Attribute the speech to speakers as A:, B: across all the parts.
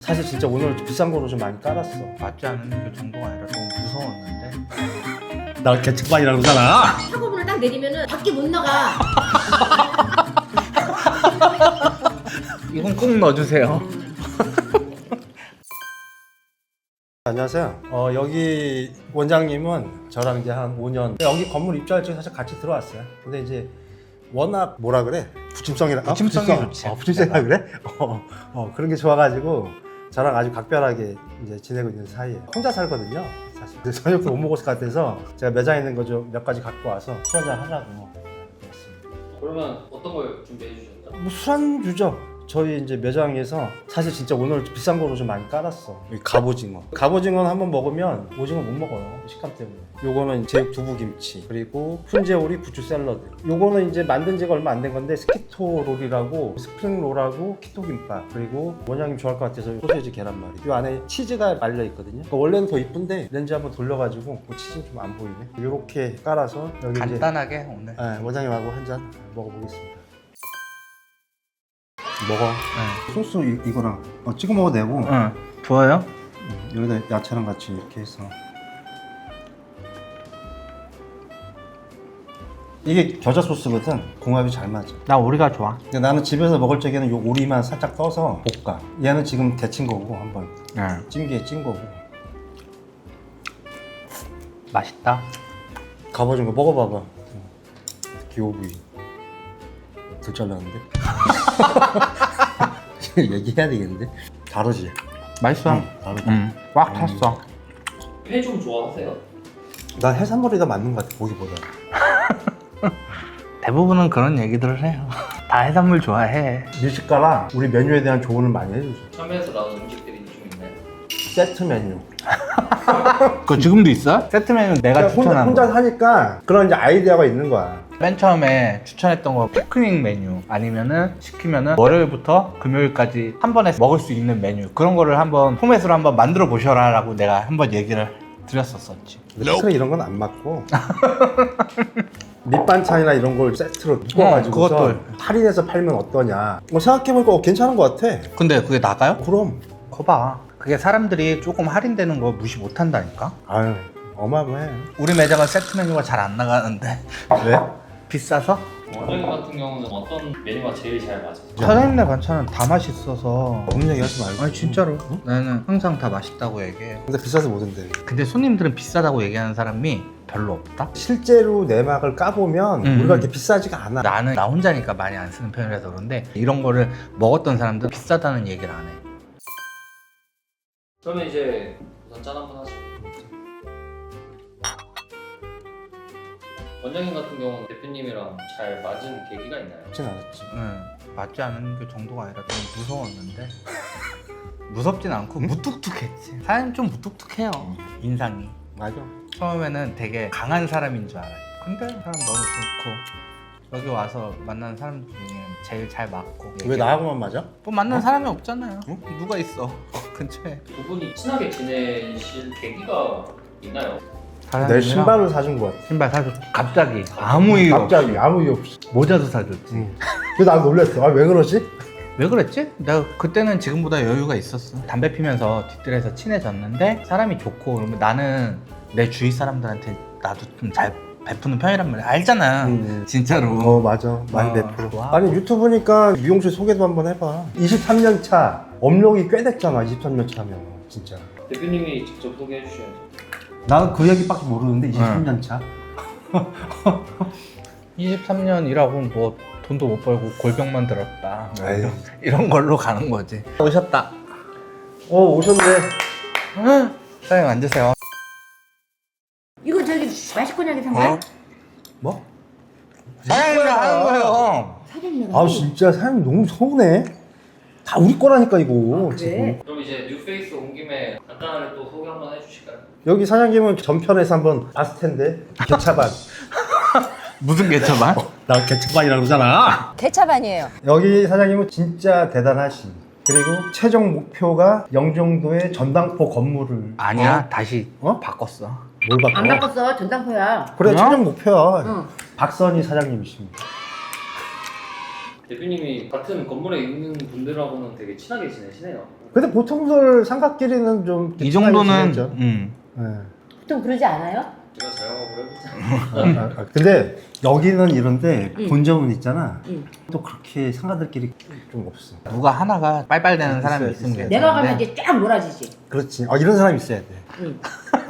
A: 사실 진짜 오늘 비싼 거로 좀 많이 깔았어.
B: 맞지 않은 그 정도가 아니라 너무 무서웠는데.
A: 나 개척반이라고 그러잖아.
C: 사고문을 딱 내리면은 밖에 못 나가.
B: 이건 꼭 넣어주세요.
A: 안녕하세요. 여기 원장님은 저랑 이제 한 5년 여기 건물 입주할 때 사실 같이 들어왔어요. 근데 이제 워낙 뭐라 그래? 부침성이라
B: 부침성이 좋지.
A: 부침성이라 그래? 그런 게 좋아가지고 저랑 아주 각별하게 이제 지내고 있는 사이에 혼자 살거든요. 사실 그래서 저녁도 못 먹을 것 같아서 제가 매장에 있는 거 좀 몇 가지 갖고 와서 술 한잔 하려고 왔습니다.
D: 그러면 어떤 걸 준비해 주셨죠?
A: 뭐 술안주죠. 저희 이제 매장에서 사실 진짜 오늘 비싼 거로 좀 많이 깔았어. 여기 갑오징어. 갑오징어는 한번 먹으면 오징어 못 먹어요. 식감 때문에. 요거는 제육 두부김치, 그리고 훈제오리 부추 샐러드. 요거는 이제 만든 지가 얼마 안 된 건데 스키토 롤이라고 스프링 롤하고 키토 김밥, 그리고 원장님 좋아할 것 같아서 소세지 계란말이. 요 안에 치즈가 말려 있거든요. 그러니까 원래는 더 이쁜데 렌즈 한번 돌려가지고 그 치즈는 좀 안 보이네. 요렇게 깔아서 여기
B: 간단하게 오늘.
A: 이제 원장님하고 한 잔 먹어보겠습니다. 먹어.
B: 네.
A: 소스 이거랑 찍어 먹어도 되고.
B: 응. 좋아요?
A: 여기다 야채랑 같이 이렇게 해서. 이게 겨자 소스거든. 궁합이 잘 맞아.
B: 나 오리가 좋아.
A: 근데 나는 집에서 먹을 적에는 요 오리만 살짝 떠서 볶아. 얘는 지금 데친 거고 한번
B: 응.
A: 찜기에 찐 거고.
B: 맛있다.
A: 갑오징어 먹어봐봐. 기호부위. 덜 잘랐는데? 얘기해야 되겠는데? 다르지?
B: 맛있어.
A: 다르지?
B: 응. 꽉 찼어.
D: 회 좀 좋아하세요?
A: 난 해산물이 더 맞는 것 같아, 고기보다.
B: 대부분은 그런 얘기들을 해요. 다 해산물 좋아해.
A: 미식가랑 우리 메뉴에 대한 조언을 많이 해주죠.
D: 참외에서 나온 음식들이 좀 있나요?
A: 세트 메뉴.
B: 그거 지금도 있어? 세트 메뉴는 내가 추천한
A: 혼자
B: 거.
A: 사니까 그런 이제 아이디어가 있는 거야.
B: 맨 처음에 추천했던 거 피크닉 메뉴 아니면은 시키면은 월요일부터 금요일까지 한 번에 먹을 수 있는 메뉴, 그런 거를 한번 포맷으로 한번 만들어 보셔라 라고 내가 한번 얘기를 드렸었지.
A: 근데 이런 건 안 맞고 밑반찬이나 이런 걸 세트로 묶어가지고
B: 그것도.
A: 할인해서 팔면 어떠냐. 생각해보니까 괜찮은 것 같아.
B: 근데 그게 나가요?
A: 그럼.
B: 거봐, 그게 사람들이 조금 할인되는 거 무시 못 한다니까.
A: 아유, 어마어마해.
B: 우리 매장은 세트 메뉴가 잘 안 나가는데.
A: 왜?
B: 비싸서?
D: 원장님 같은 경우는 어떤 메뉴가 제일 잘 맞으세요?
B: 사장님네 반찬은 다 맛있어서.
A: 없는 얘기 하지 말고.
B: 아니 진짜로? 나는 항상 다 맛있다고 얘기해.
A: 근데 비싸서 못 온대.
B: 근데 손님들은 비싸다고 얘기하는 사람이 별로 없다?
A: 실제로 내막을 까보면 우리가 이렇게 비싸지가 않아.
B: 나는 나 혼자니까 많이 안 쓰는 편이라서 그런데 이런 거를 먹었던 사람들은 비싸다는 얘기를 안 해.
D: 그러면 이제 우선 짠 한번 하죠. 원장님 같은 경우는 대표님이랑 잘 맞은 계기가 있나요?
A: 그렇진 않았지.
B: 응, 맞지 않은 그 정도가 아니라 좀 무서웠는데. 무섭진 않고 무뚝뚝했지. 사장님 좀 무뚝뚝해요, 인상이.
A: 맞아.
B: 처음에는 되게 강한 사람인 줄 알아요. 근데 사람 너무 좋고, 여기 와서 만나는 사람들 중에 제일 잘 맞고.
A: 왜 나하고만 맞아?
B: 뭐 만나는 사람이 없잖아요. 누가 있어 근처에.
D: 두 분이 친하게 지내실 계기가 있나요?
A: 내 신발을 사준 거야.
B: 신발 사줬지. 갑자기 아무 이유 없이.
A: 갑자기 아무 이유 없이.
B: 모자도 사줬지.
A: 그래서 나 놀랬어. 왜 그러지?
B: 왜 그랬지? 내가 그때는 지금보다 여유가 있었어. 담배 피면서 뒷뜰에서 친해졌는데 사람이 좋고, 그러면 나는 내 주위 사람들한테 나도 좀 잘 베푸는 편이란 말이야. 알잖아. 진짜로.
A: 맞아. 많이 베풀어.
B: 좋아.
A: 아니 유튜브니까 미용실 소개도 한번 해봐. 23년 차. 업력이 꽤 됐잖아. 23년 차면 진짜.
D: 대표님이 직접 소개해 주셔야죠.
A: 나는 그 얘기밖에 모르는데 23년 차.
B: 23년 일하고 뭐 돈도 못 벌고 골병만 들었다. 뭐
A: 아유.
B: 이런 걸로 가는 거지. 오셨다.
A: 오셨네.
B: 사장님 앉으세요.
C: 이거 저기 마시코냐게 산 거야?
A: 뭐?
B: 사장님이 하는 거예요.
C: 사장님.
A: 아 진짜 사장님 너무 서운해. 다 우리 거라니까 이거.
C: 그래?
A: 지금.
D: 그럼 이제 뉴페이스 온 김에 간단하게 또 소개 한번 해주실까요?
A: 여기 사장님은 전편에서 한번 봤을 텐데 개차반.
B: 무슨 개처만?
A: 나 개차반이라고 그러잖아.
E: 개차반이에요.
A: 여기 사장님은 진짜 대단하신. 그리고 최종 목표가 영종도의 전당포 건물을.
B: 아니야, 다시
A: 어?
B: 바꿨어.
A: 뭘 바꿔?
C: 안 바꿨어. 전당포야.
A: 그래
B: 어?
A: 최종 목표야.
C: 응.
A: 박선희 사장님이십니다.
D: 대표님이 같은 건물에 있는 분들하고는 되게 친하게 지내시네요.
A: 근데 보통들 삼각끼리는 좀
B: 이 정도는
A: 지내죠. 네.
C: 보통 그러지 않아요?
D: 제가 자영업을 해보자.
A: 근데 여기는 이런데
C: 응.
A: 본점은 있잖아.
C: 응.
A: 또 그렇게 상가들끼리 좀 없어.
B: 누가 하나가 빨빨대는 사람이
A: 있어요,
B: 있으면
A: 있어요.
C: 내가 가면
B: 괜찮은데
C: 이제 쫙 몰아지지.
A: 그렇지. 이런 사람이 있어야 돼.
C: 응.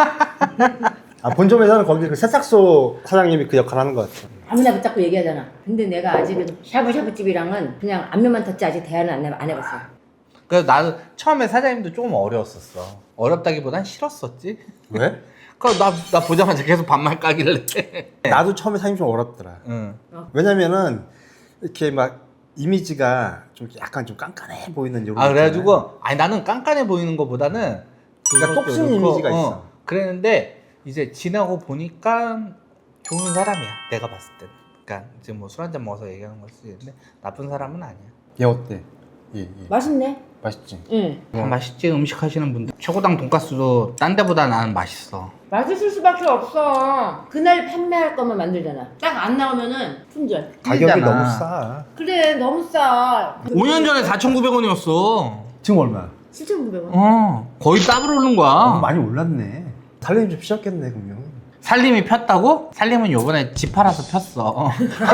A: 본점에서는 거기 그 세탁소 사장님이 그 역할 하는 것 같아.
C: 아무나 붙잡고 얘기하잖아. 근데 내가 아직은 샤브샤브 집이랑은 그냥 앞면만 탔지 아직 대화는 안 해봤어.
B: 그래서 나도 처음에 사장님도 조금 어려웠었어. 어렵다기보단 싫었었지.
A: 왜?
B: 나 보자마자 계속 반말 까길래.
A: 나도 처음에 사장님 좀 어렵더라.
B: 응.
A: 왜냐면은 이렇게 막 이미지가 좀 약간 좀 깐깐해 보이는 이런.
B: 아 그래가지고 아니 나는 깐깐해 보이는 것보다는
A: 그러니까
B: 그것도
A: 똑순
B: 그렇고,
A: 이미지가 있어.
B: 그랬는데 이제 지나고 보니까 좋은 사람이야. 내가 봤을 때는. 그러니까 지금 뭐 술 한잔 먹어서 얘기하는 걸 수도 있는데 나쁜 사람은 아니야.
A: 얘 어때? 예.
C: 맛있네.
A: 맛있지.
C: 응.
B: 다 맛있지 음식 하시는 분들. 최고당 돈가스도 딴 데보다 나는 맛있어.
C: 맛있을 수밖에 없어. 그날 판매할 것만 만들잖아. 딱 안 나오면은 품절.
A: 가격이
B: 틀리잖아.
A: 너무 싸.
C: 그래 너무 싸.
B: 5년 전에 4,900원이었어.
A: 지금 얼마?
C: 7,900원.
B: 거의 더블 오른 거야.
A: 많이 올랐네. 살림이 좀 피셨겠네 그러면.
B: 살림이 폈다고? 살림은 요번에 집 팔아서 폈어.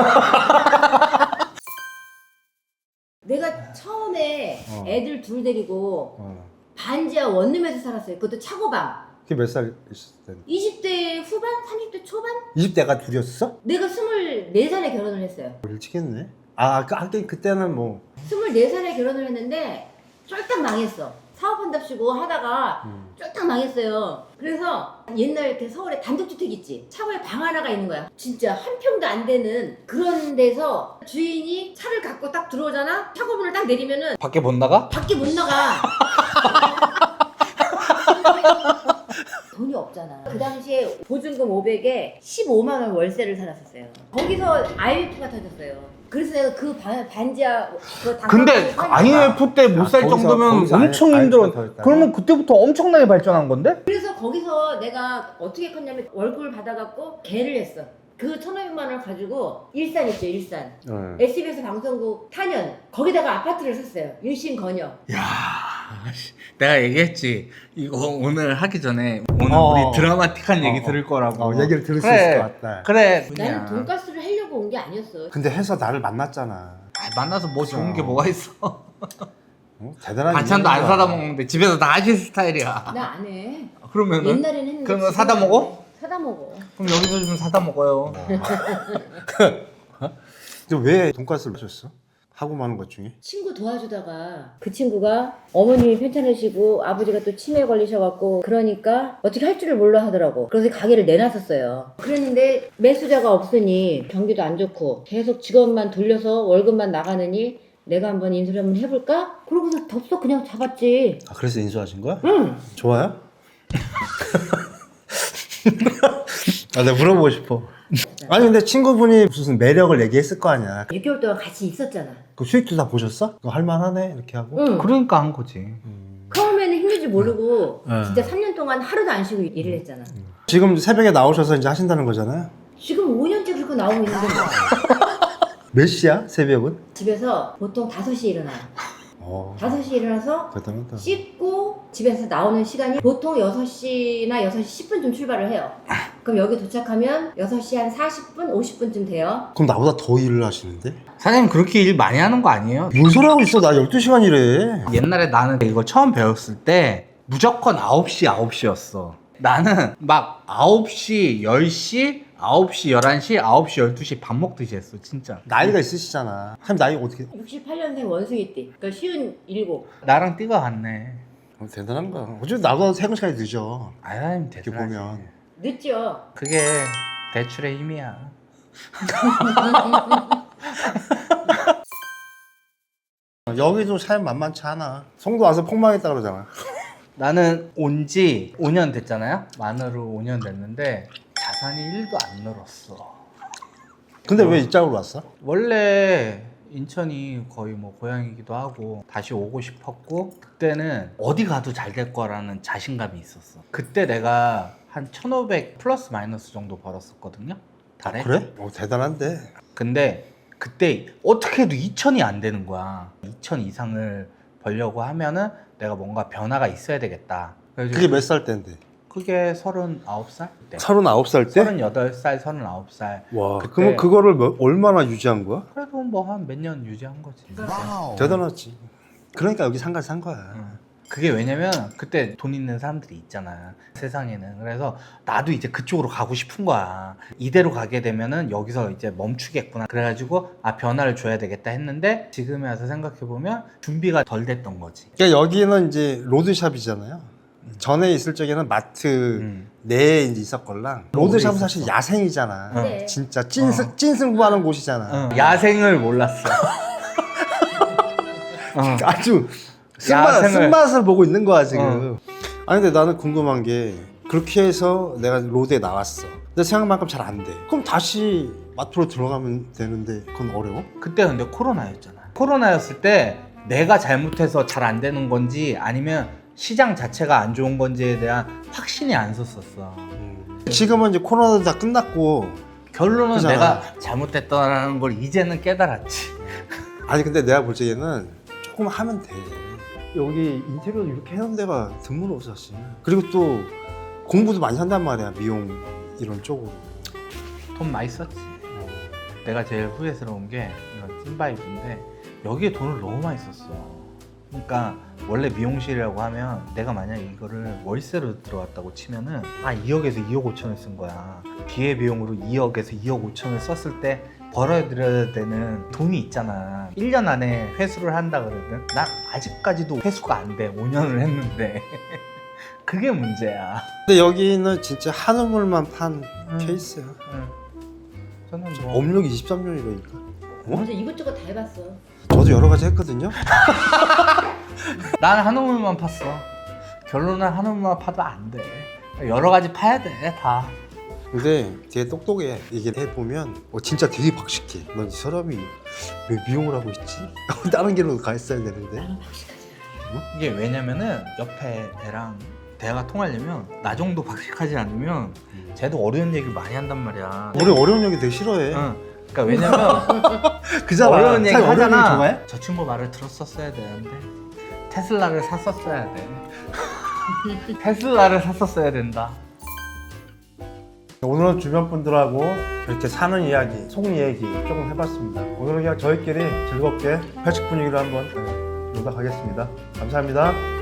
C: 내가 처음에 애들 둘 데리고
A: 어.
C: 반지하 원룸에서 살았어요. 그것도 차고방.
A: 그게 몇 살 있었을 때?
C: 20대 후반? 30대 초반?
A: 20대가 둘이었어?
C: 내가 24살에 결혼을 했어요.
A: 일찍 했네. 하긴 그때는 뭐
C: 24살에 결혼을 했는데 쫄딱 망했어. 사업한답시고 하다가 쫄딱 망했어요. 그래서 옛날 이렇게 서울에 단독주택 있지? 차고에 방 하나가 있는 거야. 진짜 한 평도 안 되는 그런 데서 주인이 차를 갖고 딱 들어오잖아? 차고문을 딱 내리면은
B: 밖에 못 나가?
C: 밖에 못 나가. 돈이 없잖아. 그 당시에 보증금 500에 15만 원 월세를 살았었어요. 거기서 IMF가 터졌어요. 그래서 내가 그 반지하 그
B: 근데 IMF 때 못 살 정도면 엄청 힘들어. 그러면 그때부터 엄청나게 발전한 건데?
C: 그래서 거기서 내가 어떻게 컸냐면 월급을 받아갖고 개를 했어. 그 1,500만 원을 가지고 일산 있죠, 일산. SBS 방송국 탄현 거기다가 아파트를 샀어요. 일신건여.
B: 야, 내가 얘기했지. 이거 오늘 하기 전에 오늘
A: 어.
B: 우리 드라마틱한 얘기 들을 거라고.
A: 얘기를 들을 수
B: 그래,
A: 있을 것 같다.
B: 그래.
C: 나는 돈가스를 하려고 온 게 아니었어.
A: 근데 해서 나를 만났잖아.
B: 만나서 뭐 좋은 게 뭐가 있어?
A: 대단한
B: 반찬도 안
A: 인연이야.
B: 사다 먹는데 집에서 다 하실 스타일이야.
C: 나 안 해.
B: 그러면은
C: 옛날에는 했는데
B: 그러면
C: 지금은
B: 사다
C: 안
B: 먹어?
C: 해. 사다 먹어.
B: 그럼 여기서 좀 사다 먹어요.
A: 근데 왜 돈가스를 하셨어? 하고 마는 것 중에?
C: 친구 도와주다가 그 친구가 어머님이 편찮으시고 아버지가 또 치매에 걸리셔갖고 그러니까 어떻게 할 줄을 몰라 하더라고. 그래서 가게를 내놨었어요. 그랬는데 매수자가 없으니 경기도 안 좋고 계속 직원만 돌려서 월급만 나가느니 내가 한번 인수를 한번 해볼까? 그러고서 덥석 그냥 잡았지.
A: 그래서 인수하신 거야?
C: 응.
A: 좋아요? 내가 물어보고 싶어. 아니 근데 친구분이 무슨 매력을 얘기했을 거 아니야.
C: 6개월 동안 같이 있었잖아.
A: 그 수익도 다 보셨어? 그거 할만하네 이렇게 하고.
C: 응.
B: 그러니까 한 거지.
C: 처음에는 힘들 줄 모르고
A: 네.
C: 진짜 3년 동안 하루도 안 쉬고 일을 했잖아.
A: 지금 새벽에 나오셔서 이제 하신다는 거잖아요.
C: 지금 5년째 그렇게 나오고 있는데 뭐.
A: 몇 시야? 새벽은?
C: 집에서 보통 5시에 일어나요. 5시에 일어나서
A: 대단하다.
C: 씻고 집에서 나오는 시간이 보통 6시나 6시 10분쯤 출발을 해요. 그럼 여기 도착하면 6시 한 40분, 50분쯤 돼요.
A: 그럼 나보다 더 일을 하시는데?
B: 사장님 그렇게 일 많이 하는 거 아니에요?
A: 뭔 소리 하고 있어? 나 12시간 일해.
B: 옛날에 나는 이거 처음 배웠을 때 무조건 9시, 9시였어. 나는 막 9시, 10시, 9시, 11시, 9시, 12시 밥 먹듯이 했어 진짜.
A: 나이가 있으시잖아. 참 나이 어떻게?
C: 68년생 원숭이띠. 그러니까 쉬운 7.
B: 나랑 띠가 같네.
A: 대단한 거야. 어차피 나보다 3시간이 늦어.
B: 아유
A: 이렇게
B: 대단하지.
A: 보면.
C: 늦죠?
B: 그게 대출의 힘이야.
A: 여기도 사연 만만치 않아. 송도 와서 폭망했다 그러잖아.
B: 나는 온 지 5년 됐잖아요. 만으로 5년 됐는데 자산이 1도 안 늘었어.
A: 근데 왜 이쪽으로 왔어?
B: 원래 인천이 거의 뭐 고향이기도 하고 다시 오고 싶었고 그때는 어디 가도 잘 될 거라는 자신감이 있었어. 그때 내가 한 1,500 플러스 마이너스 정도 벌었었거든요. 달에.
A: 그래? 대단한데.
B: 근데 그때 어떻게 해도 2,000이 안 되는 거야. 2,000 이상을 벌려고 하면은 내가 뭔가 변화가 있어야 되겠다. 그래서
A: 그게 몇 살 때인데?
B: 그게 39살 때.
A: 39살 때?
B: 38살, 39살.
A: 와,
B: 그때-
A: 그러면 그거를 얼마나 유지한 거야?
B: 그래도 뭐 한 몇 년 유지한 거지.
A: 대단하지. 그러니까 여기 상가를 산 거야.
B: 그게 왜냐면 그때 돈 있는 사람들이 있잖아 세상에는. 그래서 나도 이제 그쪽으로 가고 싶은 거야. 이대로 가게 되면은 여기서 이제 멈추겠구나. 그래가지고 변화를 줘야 되겠다 했는데 지금에 와서 생각해보면 준비가 덜 됐던 거지.
A: 그러니까 여기는 이제 로드샵이잖아요. 전에 있을 적에는 마트 내에 이제 있었걸랑 로드샵은 사실 야생이잖아.
C: 네.
A: 진짜 찐승부하는 곳이잖아.
B: 야생을 몰랐어.
A: 아주
B: 야생을-
A: 쓴맛을 보고 있는 거야 지금. 아니 근데 나는 궁금한 게 그렇게 해서 내가 로드에 나왔어. 근데 생각만큼 잘 안 돼. 그럼 다시 마트로 들어가면 되는데 그건 어려워?
B: 그때 근데 코로나였잖아. 코로나였을 때 내가 잘못해서 잘 안 되는 건지 아니면 시장 자체가 안 좋은 건지에 대한 확신이 안 섰었어.
A: 지금은 이제 코로나도 다 끝났고.
B: 결론은
A: 그잖아.
B: 내가 잘못됐다는 걸 이제는 깨달았지.
A: 아니 근데 내가 볼 적에는 조금 하면 돼. 여기 인테리어도 이렇게 해놓은 데가 드물어 사실. 그리고 또 공부도 많이 한단 말이야, 미용 이런 쪽으로.
B: 돈 많이 썼지. 내가 제일 후회스러운 게 이건 찐바이브인데 여기에 돈을 너무 많이 썼어. 그러니까 원래 미용실이라고 하면 내가 만약 이거를 월세로 들어왔다고 치면은 2억에서 2억 5천을 쓴 거야. 기회비용으로 2억에서 2억 5천을 썼을 때 벌어들여야 되는 돈이 있잖아. 1년 안에 회수를 한다 그러든 난 아직까지도 회수가 안 돼. 5년을 했는데 그게 문제야.
A: 근데 여기는 진짜 한우물만 판 케이스야.
B: 저는 뭐
A: 업력이 23년이라니까.
C: 완전 이것저것 다 해봤어.
A: 저도 여러 가지 했거든요.
B: 난 한우물만 팠어. 결론은 한우물만 파도 안 돼. 여러 가지 파야 돼 다.
A: 근데 되게 똑똑해. 이게 해보면 진짜 되게 박식해. 넌 이 사람이 왜 미용을 하고 있지? 다른 길로 가 있어야 되는데.
C: 나는 박식하지 않아.
B: 이게 왜냐면은 옆에 애랑 대화가 통하려면 나 정도 박식하지 않으면 쟤도 어려운 얘기를 많이 한단 말이야.
A: 우리 어려운 얘기 되게 싫어해.
B: 응. 그러니까 왜냐면
A: 그잖아.
B: 어려운 얘기
A: 사실 어려운 얘기
B: 하잖아.
A: 좋아해?
B: 저 친구 말을 들었었어야 되는데 테슬라를 샀었어야 돼. 테슬라를 샀었어야 된다.
A: 오늘은 주변 분들하고 이렇게 사는 이야기, 속 이야기 조금 해봤습니다. 오늘은 그냥 저희끼리 즐겁게 회식 분위기로 한번 놀다 가겠습니다. 감사합니다.